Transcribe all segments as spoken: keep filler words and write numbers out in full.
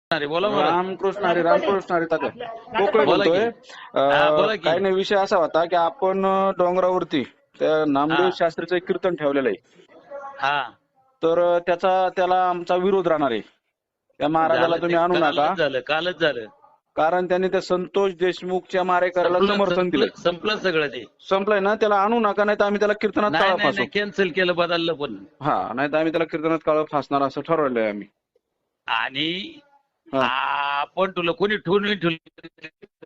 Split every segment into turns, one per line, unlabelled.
अरे बोला बोला
रामकृष्ण हरी रामकृष्ण हरी तात्या पोकळे
बोला की.
बोलतोय.
हा, बोला
अं,
की.
काही नाही, विषय असा होता की आपण अं, डोंगरावरती त्या नामदेव
हा.
शास्त्रीचं एक कीर्तन ठेवलेलं आहे.
हा
तर अं, त्याचा त्याला आमचा विरोध राहणार आहे. त्या महाराजाला
झालं ते
तुम्ही आणू नका,
कालच झालं कालच झालं
कारण त्यांनी त्या संतोष देशमुखच्या मारेकऱ्याला
संपलं
समर्थन दिलंय.
संपलं संपलं सगळं ते.
संपलंय ना, त्याला आणू नका, नाही तर आम्ही त्याला कीर्तनात
नाही
काळं
नाही
फासू.
नाही कॅन्सल केलं बदललं पण.
हा, नाही तर आम्ही त्याला कीर्तनात काळं फासणार असं ठरवलंय आम्ही.
आणि
हा.
आपण तुला कोणी ठेवून ठेवलं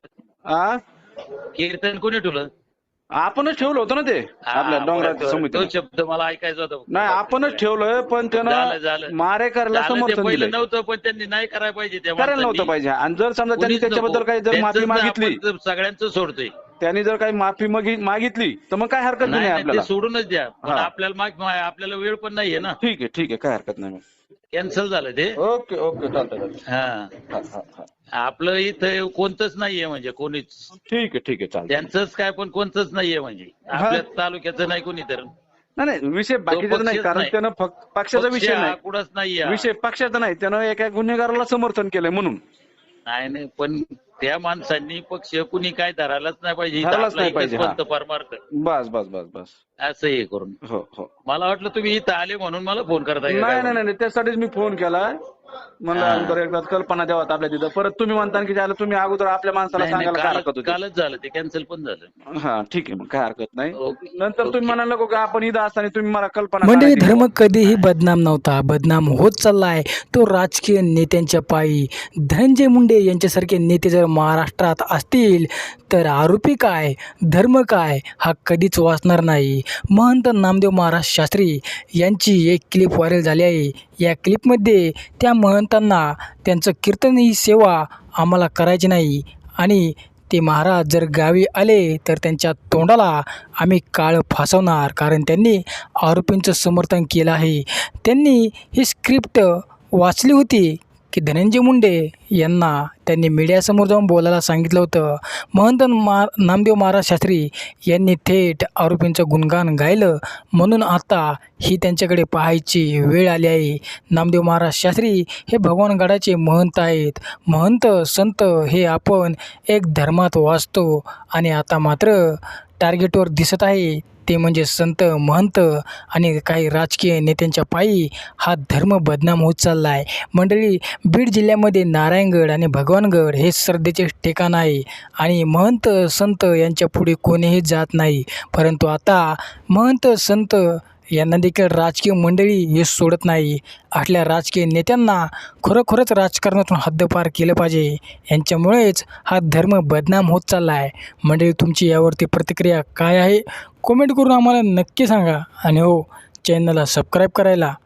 आ?
कीर्तन कोणी ठेवलं?
आपणच ठेवलं होतं ना ते आपल्या
हा,
डोंगराच्या
बरं,
समितीनं.
तो शब्द मला ऐकायचा होता फक्त.
नाही, आपणच ठेवलंय, पण
झालं
त्यानं
झालं
मारेकऱ्याला
झालं ते
समर्थन
पहिलं
दिलंय.
नव्हतं, पण त्यांनी नाही करायला पाहिजे त्या
करायला नव्हतं
माणसांनी.
पाहिजे. आणि जर समजा त्यांनी
कुणीच
त्याच्याबद्दल
नको.
काही जर माफी
त्यांचंच नाही,
मागितली,
आपण तर सगळ्यांचं सोडतोय.
त्यांनी जर काही माफी मागि- मागितली तर मग काय हरकत बी
नाही
नाही
नाही ते
आपल्याला.
सोडूनच द्या, पण
हा.
आपल्याला माग आपल्याला वेळ पण नाहीये ना.
ठीक आहे ठीक आहे, काय हरकत नाही.
कॅन्सल झालं ते.
ओके ओके, चालतंय चालतंय.
हा
हा हा हा.
आपलं इथं कोणतंच नाहीये, म्हणजे कोणीच
ठीक आहे ठीक आहे, चालतंय.
त्यांचंच काय पण कोणतंच नाहीये, म्हणजे
हा.
आपल्या तालुक्याचं नाही कोणी तर.
नाही नाही, विषय
तो
बाकीचा नाही,
पक्षच
कारण
नाही.
त्यानं फक्त पक्षाचा
पक्ष
विषय
हा
नाही.
कुठंच नाहीये.
विषय पक्षाचा नाही, त्यानं एका गुन्हेगाराला समर्थन केलंय म्हणून.
नाही नाही, पण त्या माणसांनी पक्ष कुणी काय धरायलाच नाही पाहिजे. इथं
धरायलाच
आपला
नाही
एकच
पाहिजे. हा,
पंत परमार्थ
बस बस बस बस.
असं हे करून.
हो हो.
मला वाटलं तुम्ही इथं आले म्हणून मला फोन करताय का काय
नाही नाही
म्हणून.
नाही, त्यासाठीच मी फोन केला. म्हणलं
हा.
अगोदर एकदा कल्पना द्यावात आपल्या तिथं. परत तुम्ही म्हणता की ज्याला तुम्ही अगोदर आपल्या माणसाला
नाही नाही,
सांगायला काय
कालच
हरकत होती.
कालच झालं ते, कॅन्सल पण झालं.
हा ठीक आहे, मग काय हरकत नाही.
ओके
नंतर तुम्ही
ओके.
म्हणाल नको का आपण इथं असताना तुम्ही मला कल्पना
मंडळी,
सांगायची
धर्म
बुवा.
कधीही बदनाम नव्हता, बदनाम होत चाललाय तो राजकीय नेत्यांच्या पायी. धनंजय मुंडे यांच्यासारखे नेते जर महाराष्ट्रात असतील तर आरोपी काय, धर्म काय हा कधीच वाचणार नाही. महंत नामदेव महाराज शास्त्री यांची एक क्लिप व्हायरल झाली आहे. या क्लिपमध्ये त्या महंतांना त्यांचं कीर्तन ही सेवा आम्हाला करायची नाही आणि ते महाराज जर गावी आले तर त्यांच्या तोंडाला आम्ही काळं फासवणार, कारण त्यांनी आरोपींचं समर्थन केलं आहे. त्यांनी ही स्क्रिप्ट वाचली होती की धनंजय मुंडे यांना त्यांनी मीडियासमोर जाऊन बोलायला सांगितलं होतं. महंत मा नामदेव महाराज शास्त्री यांनी थेट आरोपींचं गुणगान गायलं, म्हणून आता ही त्यांच्याकडे पाहायची वेळ आली आहे. नामदेव महाराज शास्त्री हे भगवानगडाचे महंत आहेत. महंत संत हे आपण एक धर्मात वाचतो आणि आता मात्र टार्गेटवर दिसत आहे ते म्हणजे संत, महंत आणि काही राजकीय नेत्यांच्या पायी हा धर्म बदनाम होत चालला आहे. मंडळी, बीड जिल्ह्यामध्ये नारायणगड आणि भगवानगड हे श्रद्धेचे ठिकाण आहे आणि महंत संत यांच्या पुढे कोणीही जात नाही. परंतु आता महंत संत यांना देखील राजकीय मंडळी हे सोडत नाही. आपल्या राजकीय नेत्यांना खरोखरच राजकारणातून हद्दपार केलं पाहिजे. यांच्यामुळेच हा धर्म बदनाम होत चालला आहे. मंडळी, तुमची यावरती प्रतिक्रिया काय आहे कमेंट करून आम्हाला नक्की सांगा आणि हो, चॅनलला सबस्क्राईब करायला